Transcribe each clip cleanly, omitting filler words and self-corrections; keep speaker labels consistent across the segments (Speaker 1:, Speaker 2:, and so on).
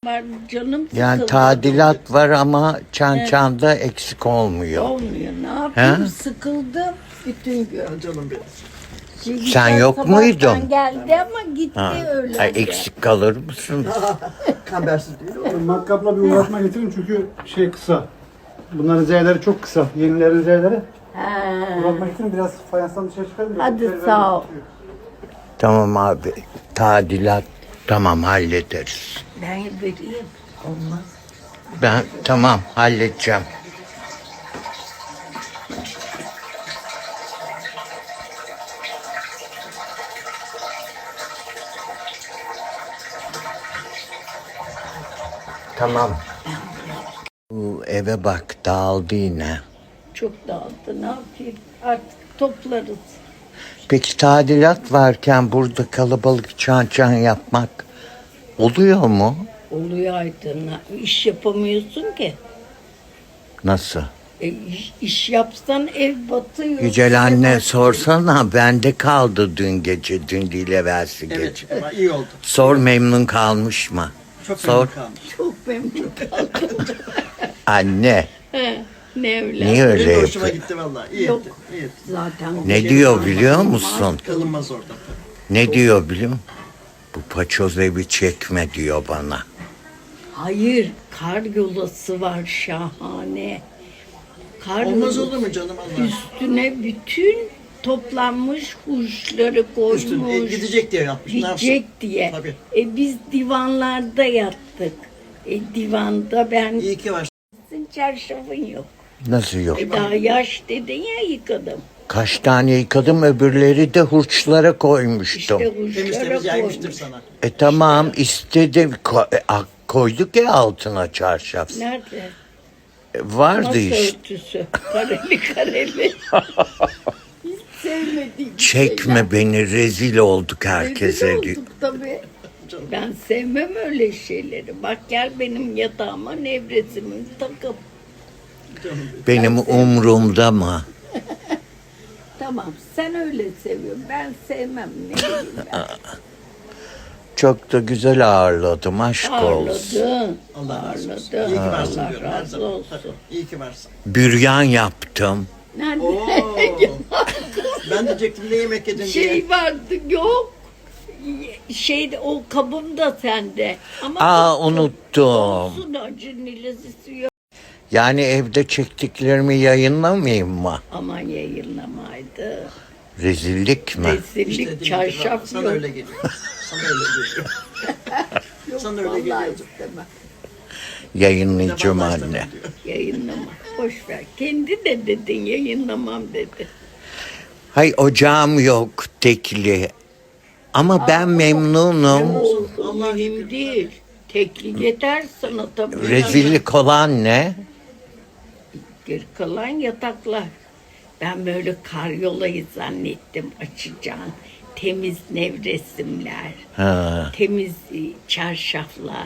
Speaker 1: Var canım
Speaker 2: Yani
Speaker 1: sıkıldı.
Speaker 2: tadilat var ama çan eksik olmuyor.
Speaker 1: Olmuyor. Ne yapayım?
Speaker 2: He?
Speaker 1: Sıkıldım bütün gün.
Speaker 3: Canım benim.
Speaker 2: Sen yok
Speaker 1: Sabahtan
Speaker 2: muydun?
Speaker 1: geldi ama gitti
Speaker 2: Ha.
Speaker 1: öyle.
Speaker 2: Ay, eksik kalır mısın?
Speaker 3: Kambersiz değil o.
Speaker 4: Matkapla bir uğraşma getirin çünkü şey kısa. Bunların zeyleri çok kısa. Yenilerin zeyleri. Uğraşma getirin biraz fayanstan dışarı çıkarın.
Speaker 1: Hadi sağ ol.
Speaker 2: Tamam abi. Tadilat tamam hallederiz.
Speaker 1: Ben vereyim. Olmaz.
Speaker 2: Ben tamam halledeceğim. Tamam. Bu eve bak dağıldı yine.
Speaker 1: Çok dağıldı. Ne yapayım? Artık toplarız.
Speaker 2: Peki tadilat varken burada kalabalık çan yapmak oluyor mu?
Speaker 1: Oluyor Aydın. İş yapamıyorsun ki.
Speaker 2: Nasıl?
Speaker 1: İş yapsan ev batıyor.
Speaker 2: Yücel anne
Speaker 1: Batıyor.
Speaker 2: sorsana bende kaldı dün gece, dün değil evvelsi
Speaker 3: Evet
Speaker 2: gece.
Speaker 3: ama iyi oldu.
Speaker 2: Sor memnun kalmış mı?
Speaker 3: Çok
Speaker 2: Sor.
Speaker 3: memnun kalmış.
Speaker 1: Çok memnun kaldım.
Speaker 2: Anne
Speaker 1: Ne evlat.
Speaker 2: niye öyle
Speaker 3: Benim de hoşuma
Speaker 2: yapıyor?
Speaker 3: gitti vallahi. İyi
Speaker 1: Yok.
Speaker 3: etti. İyi etti.
Speaker 1: Zaten
Speaker 2: Ne diyor biliyor musun?
Speaker 3: Kalınmaz orada.
Speaker 2: Ne diyor biliyor musun? Bu paçoz evi çekme diyor bana.
Speaker 1: Hayır, kar yolası var şahane. Kar
Speaker 3: Olmaz
Speaker 1: yolası.
Speaker 3: olur mu canım Allah?
Speaker 1: Üstüne bütün toplanmış kuşları koymuş.
Speaker 3: Üstüne gidecek diye yapmış. Ne yapsın?
Speaker 1: Gidecek diye.
Speaker 3: Tabii.
Speaker 1: Biz divanlarda yattık. Divanda ben
Speaker 3: İyi ki var.
Speaker 1: çarşafın yok.
Speaker 2: Nasıl yok?
Speaker 1: Daha yaş dedin ya yıkadım.
Speaker 2: Kaç tane yıkadım öbürleri de hurçlara koymuştum.
Speaker 1: İşte
Speaker 3: Temiz
Speaker 1: kuşlara
Speaker 3: temiz yaymıştır
Speaker 1: koymuş.
Speaker 3: sana.
Speaker 2: Tamam istedim koyduk ya altına çarşaf.
Speaker 1: Nerede?
Speaker 2: Vardı
Speaker 1: Masa
Speaker 2: işte.
Speaker 1: örtüsü. Kareli kareli. Hiç sevmediğim
Speaker 2: Çekme beni rezil olduk
Speaker 1: şeyler.
Speaker 2: herkese.
Speaker 1: Rezil olduk tabii. Ben sevmem öyle şeyleri. Bak gel benim yatağıma nevresimi takıp.
Speaker 2: Benim umrumda mı?
Speaker 1: Tamam sen öyle seviyorsun. Ben sevmem. Ne bileyim ben.
Speaker 2: Çok da güzel ağırladım aşk olsun.
Speaker 1: Ağırladın.
Speaker 3: Allah razı olsun.
Speaker 1: Ağırladın.
Speaker 3: İyi ki varsın
Speaker 1: Allah
Speaker 3: diyorum her
Speaker 1: razı
Speaker 3: zaman.
Speaker 1: olsun.
Speaker 3: Tabii, İyi ki varsın.
Speaker 2: Büryan yaptım.
Speaker 1: Nerede?
Speaker 3: Oo. Ben diyecektim ne yemek yedin diye.
Speaker 1: Şey vardı yok. Şeyde o kabım da sende. Ama
Speaker 2: Aa
Speaker 1: çok-
Speaker 2: unuttum.
Speaker 1: Olsun acı nilazisi yok.
Speaker 2: Yani evde çektiklerimi yayınlamayayım mı?
Speaker 1: Aman yayınlamaydı.
Speaker 2: Rezillik mi?
Speaker 1: Rezillik
Speaker 3: İstediğin gibi
Speaker 1: çarşaf
Speaker 3: var. Sana
Speaker 1: yok.
Speaker 3: öyle geliyor. Sana öyle geliyor.
Speaker 1: Yok
Speaker 3: sana öyle
Speaker 1: vallahi
Speaker 3: geliyordu.
Speaker 1: istemem.
Speaker 2: Yayınlayacağım
Speaker 3: Vallahi
Speaker 2: anne.
Speaker 3: istemem diyor.
Speaker 1: Yayınlama. Boş ver. Kendi de dedin yayınlamam dedi.
Speaker 2: Hay ocağım yok tekli. Ama ben memnunum.
Speaker 1: Olsun
Speaker 3: Allah
Speaker 1: mühim
Speaker 3: şükür.
Speaker 1: değil. Teklik yeter sana tabii.
Speaker 2: Rezillik olan ne?
Speaker 1: Geri kalan yataklar. Ben böyle karyolayı zannettim açacağım. Temiz nevresimler,
Speaker 2: Ha.
Speaker 1: temiz çarşaflar,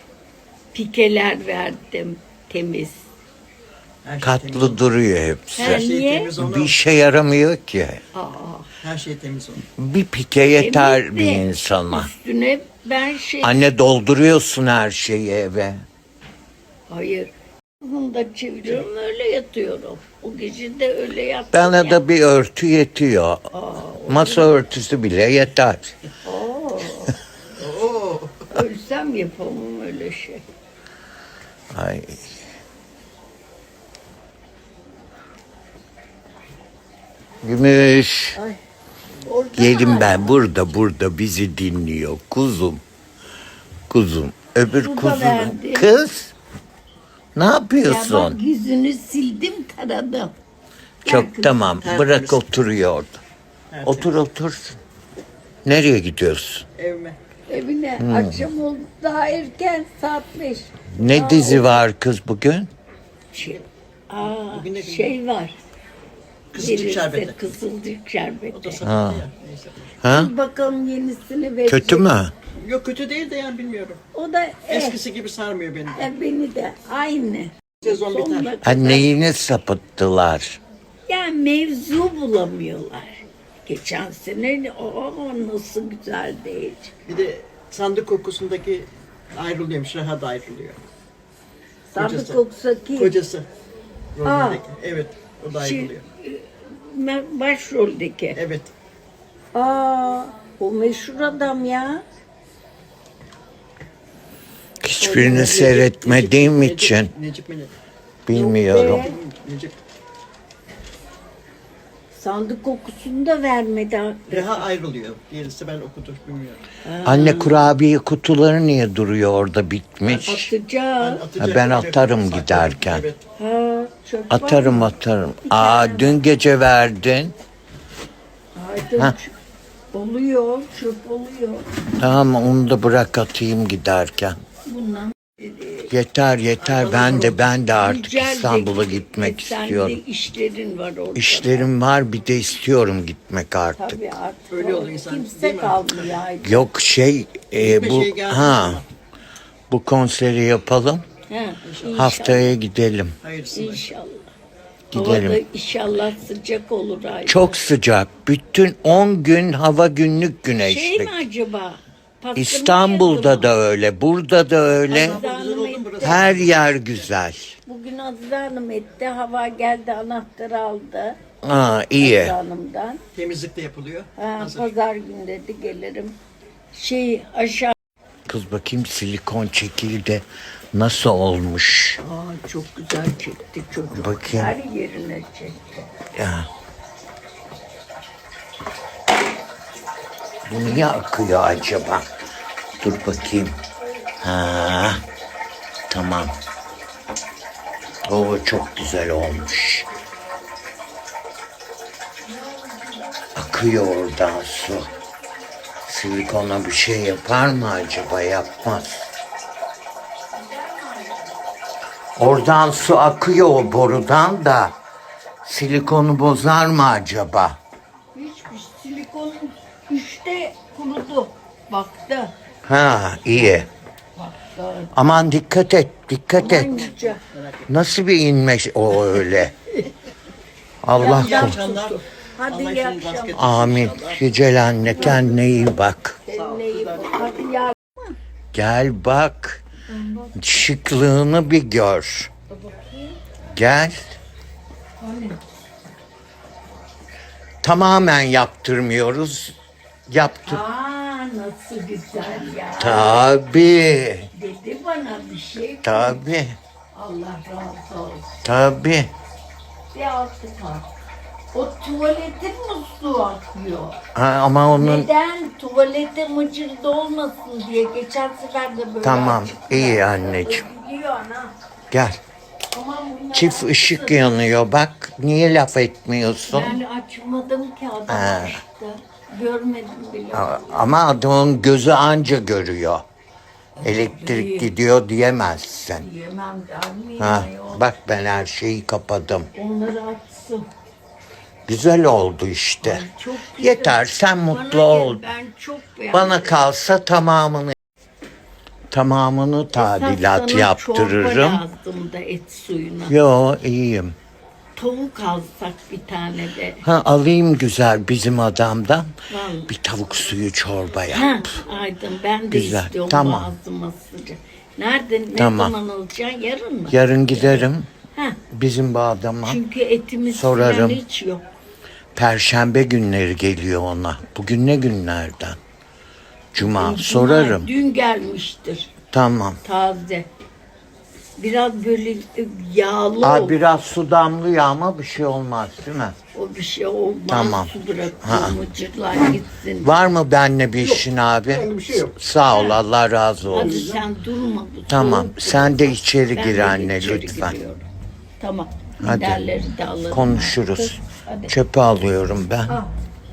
Speaker 1: pikeler verdim temiz.
Speaker 3: Her şey temiz
Speaker 2: Katlı
Speaker 3: oldu.
Speaker 2: duruyor hepsi.
Speaker 3: Her şey
Speaker 1: Niye?
Speaker 3: temiz onu.
Speaker 2: Bir işe yaramıyor ki.
Speaker 1: Aa,
Speaker 3: Her şey temiz onu.
Speaker 2: Bir pike yeter
Speaker 1: temiz
Speaker 2: bir
Speaker 1: de
Speaker 2: insana.
Speaker 1: Üstüne ben
Speaker 2: Anne dolduruyorsun her şeyi eve.
Speaker 1: hayır. Bunu da çeviriyorum öyle yatıyorum. O gece de öyle yattım.
Speaker 2: Bana
Speaker 1: ya.
Speaker 2: da bir örtü yetiyor. Masa örtüsü bile yeter.
Speaker 3: Oo.
Speaker 1: Ölsem yapamam öyle şey.
Speaker 2: Ay. Gümüş.
Speaker 1: Orada
Speaker 2: Gelin ben burada bizi dinliyor. Kuzum. Kuzum. Öbür
Speaker 1: Su da
Speaker 2: kuzum.
Speaker 1: verdi.
Speaker 2: Kız. Ne
Speaker 1: Ya bak
Speaker 2: yapıyorsun?
Speaker 1: yüzünü sildim taradım. Gel
Speaker 2: Çok
Speaker 1: kızım.
Speaker 2: tamam.
Speaker 3: Tertemiz.
Speaker 2: Bırak oturuyor orada.
Speaker 3: Tertemiz.
Speaker 2: Otur otur. Nereye gidiyorsun?
Speaker 3: Evime.
Speaker 1: Evine akşam oldu daha erken saat 5.
Speaker 2: Ne dizi var kız bugün?
Speaker 1: Şey,
Speaker 3: Bugün ne gün?
Speaker 1: şey var.
Speaker 3: Kızılcık
Speaker 1: Verirse
Speaker 3: şerbeti.
Speaker 1: Kızılcık
Speaker 3: O da
Speaker 1: şerbeti.
Speaker 3: satıldı ya. Neyse.
Speaker 2: Ha?
Speaker 1: Bir bakalım yenisini verecek.
Speaker 2: Kötü mü?
Speaker 3: Yok kötü değil de yani bilmiyorum.
Speaker 1: O da
Speaker 3: Eskisi gibi sarmıyor beni de.
Speaker 1: beni de aynı.
Speaker 3: Sezon
Speaker 1: Sonuna
Speaker 3: biter.
Speaker 1: kadar.
Speaker 2: Neyini sapıttılar?
Speaker 1: Yani mevzu bulamıyorlar. Geçen sene nasıl güzel değil.
Speaker 3: Bir de sandık kokusundaki Ayrılıyormuş. Reha da ayrılıyor.
Speaker 1: Sadık
Speaker 3: Kocası.
Speaker 1: Oksaki
Speaker 3: Kocası. Rolündeki. Evet. O da
Speaker 1: Şey-
Speaker 3: ayrılıyor.
Speaker 1: başroldeki.
Speaker 3: Evet.
Speaker 1: O meşhur adam ya.
Speaker 2: Hiçbirini seyretmediğim için
Speaker 3: Necip mi ne?
Speaker 2: bilmiyorum.
Speaker 1: Yok be.
Speaker 3: Necip.
Speaker 1: Sandık kokusunu da vermedi.
Speaker 3: Reha ayrılıyor. Diğerisi ben okudum bilmiyorum.
Speaker 2: Anne kurabiye kutuları niye duruyor orada bitmiş?
Speaker 1: Atacağım.
Speaker 2: Ben atarım giderken.
Speaker 3: Evet.
Speaker 1: Ha, çöp var
Speaker 2: Atarım
Speaker 1: mı?
Speaker 2: atarım. Aa dün gece verdin.
Speaker 1: Haydi
Speaker 2: Ha.
Speaker 1: oluyor, çöp oluyor.
Speaker 2: Tamam onu da bırak atayım giderken.
Speaker 1: Bundan
Speaker 2: Yeter ben de artık
Speaker 1: güzelce
Speaker 2: İstanbul'a
Speaker 1: git.
Speaker 2: gitmek
Speaker 1: Sen
Speaker 2: istiyorum.
Speaker 1: de işlerin var orada.
Speaker 2: İşlerim var bir de istiyorum gitmek artık.
Speaker 1: Tabii artık
Speaker 3: Öyle oluyor insan, değil
Speaker 1: kimse
Speaker 3: mi?
Speaker 1: kalmıyor. Haydi.
Speaker 2: Yok
Speaker 3: Hiçbir
Speaker 2: bu
Speaker 3: şey gelmedi
Speaker 2: ha
Speaker 3: ama.
Speaker 2: bu konseri yapalım.
Speaker 1: Ha, inşallah.
Speaker 2: Haftaya gidelim.
Speaker 3: Hayırsını.
Speaker 1: İnşallah.
Speaker 2: Gidelim.
Speaker 1: Havada inşallah sıcak olur ay.
Speaker 2: Çok sıcak. Bütün 10 gün hava günlük
Speaker 1: Şey
Speaker 2: güneşlik.
Speaker 1: mi acaba? Pastırma
Speaker 2: İstanbul'da
Speaker 1: yazı mı?
Speaker 2: da öyle, burada da öyle.
Speaker 1: Azize Hanım etti.
Speaker 2: Her yer güzel.
Speaker 1: Bugün Azize Hanım etti. Hava geldi, anahtarı aldı.
Speaker 2: İyi.
Speaker 1: Azize Hanım'dan.
Speaker 3: Temizlik de yapılıyor.
Speaker 1: Ha,
Speaker 3: Hazır.
Speaker 1: pazar günü dedi gelirim. Aşağı.
Speaker 2: Kız bakayım silikon çekildi. Nasıl olmuş?
Speaker 1: Çok güzel çekti çocuk.
Speaker 2: Bakayım.
Speaker 1: Her yerine çekti.
Speaker 2: Ya. Bu niye akıyor acaba? Dur bakayım. Ha, tamam. O çok güzel olmuş. Akıyor oradan su. Silikona bir şey yapar mı acaba? Yapmaz. Oradan su akıyor o borudan da. Silikonu bozar mı acaba?
Speaker 1: Hiçbir silikonun üçte kurudu. Baktı.
Speaker 2: Ha iyi.
Speaker 1: Baktı.
Speaker 2: Aman dikkat et, dikkat et.
Speaker 1: Aman yüce.
Speaker 2: Nasıl bir inme o öyle? Allah
Speaker 1: Yapacağım
Speaker 2: korusun.
Speaker 1: tuttu. Hadi
Speaker 3: Allah
Speaker 1: iyi
Speaker 3: işinizi
Speaker 1: akşamlar.
Speaker 3: rast getirsin
Speaker 2: Amin.
Speaker 3: inşallah.
Speaker 2: Yücel anne kendine iyi bak.
Speaker 1: Kendine iyi bak. Hadi ya.
Speaker 2: Gel bak. Şıklığını bir gör. Gel. Tamamen yaptırmıyoruz. Yaptır.
Speaker 1: Nasıl güzel ya.
Speaker 2: Tabii.
Speaker 1: Dedi bana bir şey.
Speaker 2: Tabii.
Speaker 1: Allah razı olsun.
Speaker 2: Tabii.
Speaker 1: Bir altı kal. O tuvaletin musluğu akıyor.
Speaker 2: Ha, ama onun
Speaker 1: Neden? Tuvalete mıcırda olmasın diye. Geçen sefer de böyle
Speaker 2: Tamam,
Speaker 1: açık
Speaker 2: iyi
Speaker 1: bıraktı.
Speaker 2: anneciğim.
Speaker 1: Biliyor ana.
Speaker 2: gel.
Speaker 1: Aman bunlar
Speaker 2: Çift ışık yanıyor bak. Niye laf etmiyorsun?
Speaker 1: Yani açmadım ki adam açtı. Görmedim bile.
Speaker 2: Ama adamın gözü anca görüyor. Elektrik gidiyor diyemezsin.
Speaker 1: Yemem der miyim
Speaker 2: Ha,
Speaker 1: ayol?
Speaker 2: bak ben her şeyi kapadım.
Speaker 1: Onları açsın.
Speaker 2: Güzel oldu işte.
Speaker 1: Çok güzel.
Speaker 2: Yeter sen
Speaker 1: Bana
Speaker 2: mutlu
Speaker 1: gel,
Speaker 2: ol.
Speaker 1: Ben çok beğendim.
Speaker 2: Bana kalsa tamamını tadilat
Speaker 1: Esas sana
Speaker 2: yaptırırım.
Speaker 1: çorba lazım da et suyuna.
Speaker 2: Yo iyiyim.
Speaker 1: Tavuk alsak bir tane de.
Speaker 2: Ha alayım güzel bizim adamdan.
Speaker 1: Vallahi.
Speaker 2: Bir tavuk suyu çorba yap.
Speaker 1: Ha, Aydın ben de
Speaker 2: Güzel,
Speaker 1: istiyorum
Speaker 2: tamam.
Speaker 1: ağzıma sıcak. Nerede, ne
Speaker 2: Tamam.
Speaker 1: zaman alacaksın? Yarın mı?
Speaker 2: Yarın giderim
Speaker 1: Ha,
Speaker 2: bizim bu adama.
Speaker 1: çünkü etimiz
Speaker 2: Sorarım.
Speaker 1: falan hiç yok.
Speaker 2: Perşembe günleri geliyor ona. Bugün ne günlerden? Cuma.
Speaker 1: Cuma,
Speaker 2: Sorarım.
Speaker 1: Dün gelmiştir
Speaker 2: Tamam.
Speaker 1: taze. Biraz böyle yağlı ol.
Speaker 2: Biraz su damlıyor ama bir şey olmaz değil mi?
Speaker 1: O bir şey olmaz.
Speaker 2: Tamam.
Speaker 1: Su bırakıyor mıcırlar gitsin.
Speaker 2: Var mı benimle bir işin abi?
Speaker 4: bir şey yok.
Speaker 2: Sağ ol Allah razı
Speaker 1: Hadi
Speaker 2: olsun.
Speaker 1: sen durma. Bu
Speaker 2: Tamam
Speaker 1: soğuk
Speaker 2: sen de içeri
Speaker 1: Ben
Speaker 2: gir
Speaker 1: de
Speaker 2: anne
Speaker 1: içeri
Speaker 2: lütfen.
Speaker 1: giriyorum. Tamam.
Speaker 2: Hadi.
Speaker 1: Giderleri de alırım.
Speaker 2: Konuşuruz.
Speaker 1: Hadi.
Speaker 2: Çöpe alıyorum ben.
Speaker 1: Al.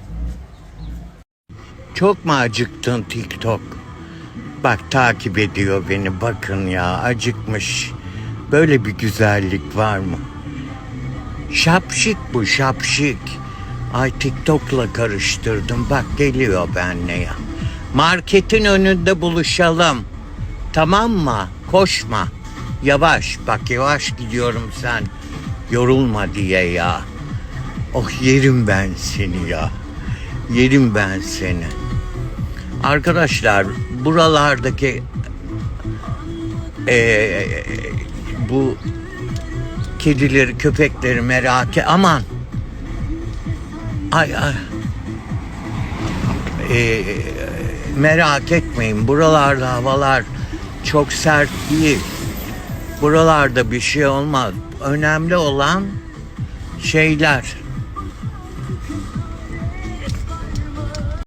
Speaker 2: Çok mu acıktın TikTok? Bak takip ediyor beni bakın ya acıkmış. Böyle bir güzellik var mı? Şapşik bu şapşik. Ay TikTok'la karıştırdım. Bak geliyor benle ya. Marketin önünde buluşalım. Tamam mı? Koşma. Yavaş bak yavaş gidiyorum sen. Yorulma diye ya. Oh yerim ben seni ya. Yerim ben seni. Arkadaşlar buralardaki bu kedileri, köpekleri aman. Ay. Merak etmeyin. Buralarda havalar çok sert değil. Buralarda bir şey olmaz. Önemli olan şeyler.